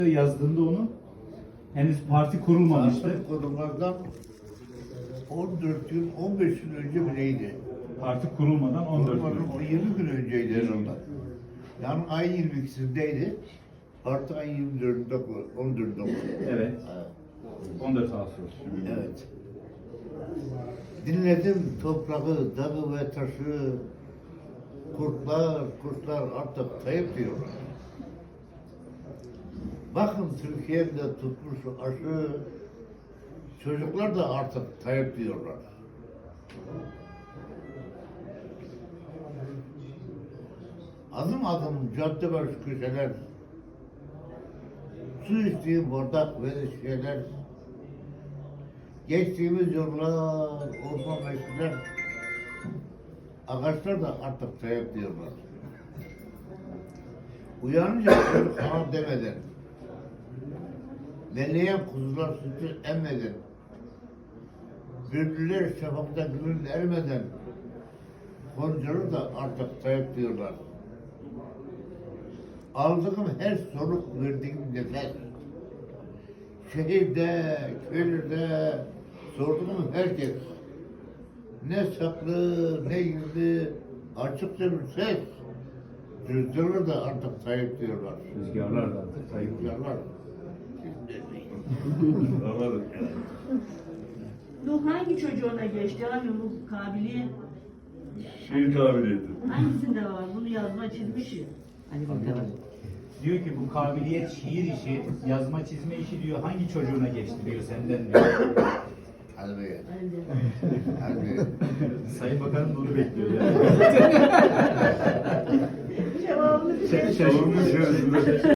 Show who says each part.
Speaker 1: Yazdığında onu henüz parti kurulmamıştı.
Speaker 2: Parti kurulmadan 14 gün, 15 gün önce mi neydi?
Speaker 1: Parti kurulmadan 14 gün.
Speaker 2: O 20 gün önceydi herhalde. Yani ayın 22'sindeydi. Artık ayın 24'ünde, 14'ünde oldu.
Speaker 1: Evet. 14 Ağustos.
Speaker 2: Evet. Dinledim toprağı, dağı ve taşı, kurtlar artık kayıp diyorlar. Bakın Türkiye'de tutmuş aşı, çocuklar da artık kayıp diyorlar. Adım adım cadde başı köşeler, su içtiğim bardak ve şeyler, geçtiğimiz yollar, orman meşguler, ağaçlar da artık kayıp diyorlar. Uyanınca çocuk ana demeden, belleyen kuzular sütü emmeden, bülbüller şafakta gülün ermeden, koncalı da artık kayıp diyorlar. Aldığım her soluk verdiğim nefes, şehirde, köylerde sorduğum herkes, ne saklı, ne gizli, açıkça bir ses, rüzgarlar da artık kayıp diyorlar.
Speaker 1: Rüzgarlar da artık kayıp.
Speaker 2: Rüzgarlar.
Speaker 1: Anladım.
Speaker 3: Bu hangi çocuğuna geçti abi bu kabiliyet?
Speaker 4: Şiir kabiliyeti.
Speaker 3: Hangisinde var? Bunu yazma çizmişi. Hadi bakalım.
Speaker 1: Diyor ki bu kabiliyet, şiir işi, yazma çizme işi diyor hangi çocuğuna geçti diyor senden diyor.
Speaker 2: Hadi be.
Speaker 3: Hadi.
Speaker 2: Hadi.
Speaker 1: Sayın Bakanım da onu bekliyor yani.
Speaker 3: Cevabını bir şey
Speaker 4: Sormuş ya.